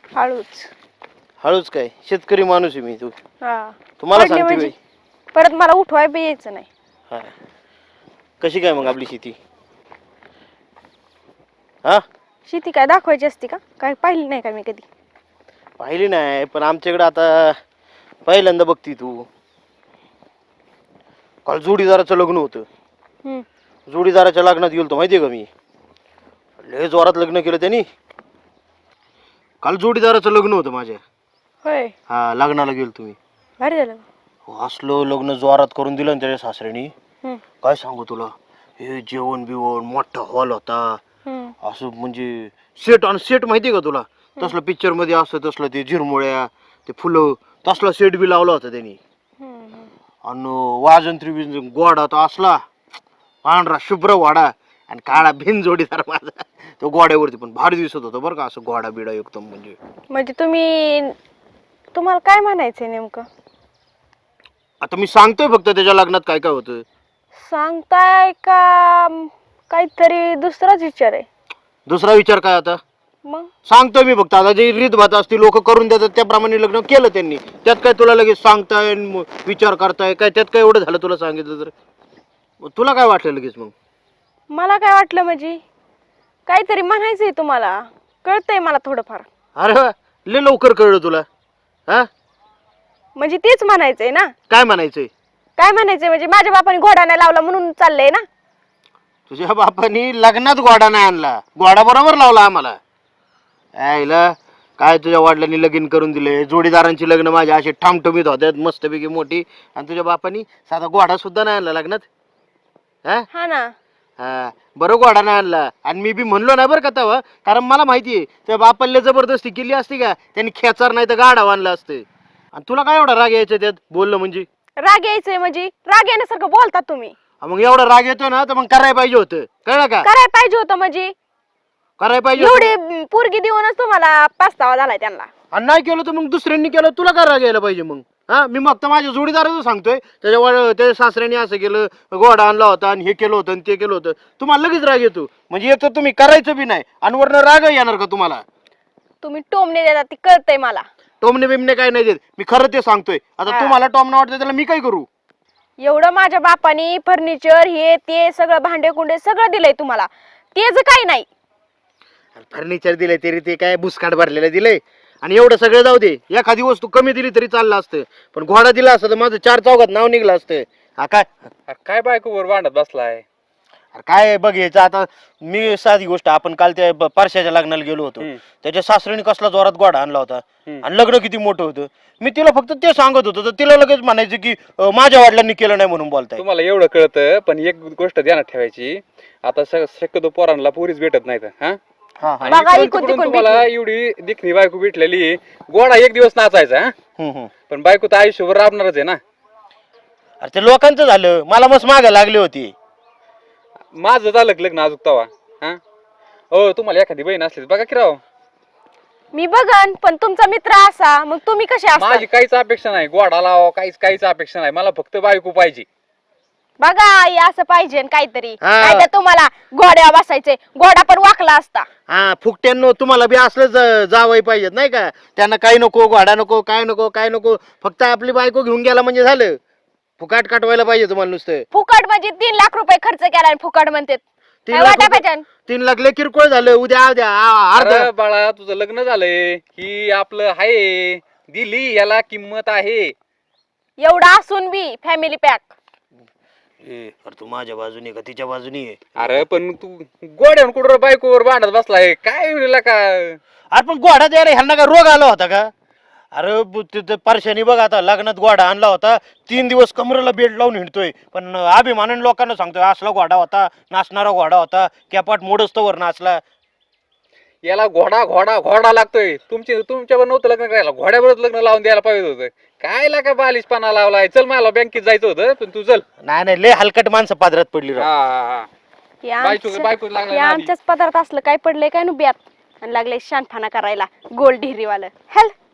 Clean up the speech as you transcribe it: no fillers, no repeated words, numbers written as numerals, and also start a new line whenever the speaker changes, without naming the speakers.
हळूच.
हळूच काय, शेतकरी माणूस आहे मी.
हा
तुम्हाला
पडले
सांगते
म्हणजे परत मला उठवाय बी यायचं नाही.
हा. कशी काय मग आपली शेती? हा,
शेती काय दाखवायची असते का? काय पाहिली नाही का मी कधी?
पाहिली नाही, पण आमच्याकडे आता पहिल्यांदा बघती तू. काल जोडीदाराचं लग्न होतं.
हम्म.
जोडीदाराच्या लग्नात गेलतो माहितीये का मी. लय जोरात लग्न केलं त्यांनी. काल जोडीदाराचं लग्न होतं माझ्या.
होय.
हा, लग्नाला गेलो तुम्ही.
भारी झालं.
असलं लग्न जोरात करून दिलं ना त्याच्या सासऱ्यानी.
हम्म.
काय सांगू तुला, हे जेवण बिवण मोठा हॉल होता.
हम्म.
असं म्हणजे सेट आणि सेट माहितीये का तुला, तसलं पिक्चर मध्ये असतं तसलं, ते झिरमुळ्या ते फुलं तसला सेट बी लावला होता त्यांनी. आणि वाजंत्री बिजन गोडा तर असला पांढरा शुभ्र वाडा आणि काळा भिन जोडीदार माझा. तो गोड्यावरती पण भारी दिसत होता बरं का, असं गोडा बिडा एकदम.
म्हणजे तुम्हाला काय म्हणायचंय नेमकं?
आता मी सांगतोय फक्त त्याच्या लग्नात काय काय होतं.
सांगताय का काहीतरी दुसराच विचार आहे?
दुसरा विचार काय आता
मग
सांगतोय मी फक्त. आता जे रीत भात असते लोक करून देतात त्याप्रमाणे लग्न केलं त्यांनी. त्यात काय तुला लगेच सांगताय विचार करताय काय? त्यात काय एवढं झालं तुला सांगितलं तर? तुला काय वाटलं लगेच मग?
मला काय वाटलं म्हणजे काहीतरी म्हणायचंय तुम्हाला, कळतंय मला थोडंफार.
अरे वा, लय लवकर कळलं तुला. हा,
म्हणजे तेच म्हणायचंय ना.
काय म्हणायचंय?
काय म्हणायचंय म्हणजे माझ्या बापाने घोडा नाही लावला म्हणून चाललंय ना.
तुझ्या बापानी लग्नात घोडा नाही आणला, घोडा बरोबर लावला आम्हाला. आईला काय तुझ्या वडिलांनी लगीन करून दिले, जोडीदारांची लग्न माझ्या अशी ठामठमीत होत्यात मस्तपैकी मोठी, आणि तुझ्या बापानी साधा घोडा सुद्धा नाही आणला लग्नात.
हा ना.
हा, बरं घोडा नाही आणला. आणि मी बी म्हणलो नाही बरं का तेव्हा, कारण मला माहितीये त्या बापाला जबरदस्ती केली असती का त्यांनी खेचार नाही तर गाडा आणला असतं. आणि तुला काय एवढा राग यायचा त्यात बोललं म्हणजे?
राग यायचंय म्हणजे राग येण्यासारखं बोलतात तुम्ही.
मग एवढा राग येतो ना तर मग करायला पाहिजे होतं, कळलं का?
करायला पाहिजे होतं म्हणजे
करायला पाहिजे
एवढी पोरगी देऊनच तुम्हाला पस्तावा झालाय त्यांना.
आणि नाही केलं तर मग दुसऱ्यांनी केलं, तुला काय राग यायला पाहिजे मग? हा, मी फक्त माझ्या जोडीदाराचं सांगतोय. त्याच्या सासऱ्याने असं केलं, घोडा आणला होता आणि हे केलं होतं आणि ते केलं होतं. तुम्हाला लगेच राग येतो म्हणजे येतो तुम्ही करायचं बी नाही आणि वरनं राग येणार का तुम्हाला?
तुम्ही टोमणे देतात ती कळतंय मला.
टोमणे बिमणे काय नाही देत, मी खरं ते सांगतोय. आता तुम्हाला टोमणं वाटतं त्याला मी काय करू?
एवढं माझ्या बापानी फर्निचर हे ते सगळं भांडे कुंडे सगळं दिलंय तुम्हाला, तेच काही नाही.
फर्निचर दिलंय तरी ते काय बुसकाट भरलेलं दिलंय. आणि एवढं सगळं जाऊ दे, एखादी वस्तू कमी दिली तरी चाललं असतं, पण घोडा दिला असतं तर माझं 4 चौघात नाव निघलं असतं. हा काय
काय बायकोवर भांडत बसलाय?
काय बघ यायचं आता. मी साधी गोष्ट, आपण काल त्या परशाच्या लग्नाला गेलो होतो. त्याच्या सासऱ्याने कसला जोरात घोडा आणला होता आणि लग्न किती मोठं होतं. मी तिला फक्त ते सांगत होतो तर तिला लगेच म्हणायचं की माझ्या वडिलांनी केलं नाही म्हणून बोलताय.
तुम्हाला एवढं कळतं, पण एक गोष्ट ध्यानात ठेवायची, आता शक्यतो पोरांना पोरीच भेटत नाहीत. आणि तुम्हाला एवढी देखणी बायको भेटलेली, गोडा एक दिवस नाचायचा, पण बायको तर आयुष्यभर राबणारच आहे ना.
अरे ते लोकांचं झालं, मला मस्त मागे लागली होती.
माझं झालं लग्न अजून तवा. हो, तुम्हाला एखादी बहीण असली बघा की राव.
मी बघन, पण तुमचा मित्र असा मग तुम्ही कसे असता?
माझी काहीच अपेक्षा नाही गोडा लावा, काहीच अपेक्षा नाही. मला फक्त बायको पाहिजे.
बघा आई, असं पाहिजे काहीतरी. नाही तर तुम्हाला घोड्यावर बसायचे, घोडा पण वाकला असता.
हा, फुकट्यांनो तुम्हाला बी असलं जावई पाहिजेत नाही का? त्यांना काही नको, घोडा नको, काय नको काय नको, फक्त आपली बायको घेऊन गेला म्हणजे झालं. फुकाट काटवायला पाहिजे तुम्हाला नुसतं.
फुकट म्हणजे 3 लाख रुपये खर्च केला आणि फुकट म्हणते.
3 लाख लय किरकोळ झालं. उद्या
अरे बाळा, तुझं लग्न झालंय, ही आपलं आहे, दिली याला किंमत आहे.
एवढा असून बी फॅमिली पॅक.
तू माझ्या बाजूने का तिच्या बाजूने?
अरे पण तू गोड्यावर कुठं बायकोवर भांडत बसलाय काय का?
अरे पण घोडा द्यायला ह्यांना का रोग आला होता का? अरे परशानी बघ, आता लग्नात घोडा आणला होता, 3 दिवस कमरेला बेल्ट लावून हिंडतोय, पण अभिमानाने लोकांना सांगतोय असला घोडा होता, नाचणारा घोडा होता, कॅपाट मोडस्तवर नाचला.
याला घोडा घोडा घोडा लागतोय. तुमच्यावर नव्हतं लग्न करायला, घोड्यावरच लग्न लावून द्यायला पाहिजे होतं. काय लागा बालिशपणा लावलाय? चल, मला बँकेत जायचं होतं, पण तू चल.
नाही लय हलकट माणसं पादरात पडली.
बायको लागला
आमच्याच पदार्थ असलं काय पडलंय काय नु ब्यात आणि लागले शानफाना करायला गोल ढिरीवालं. हेल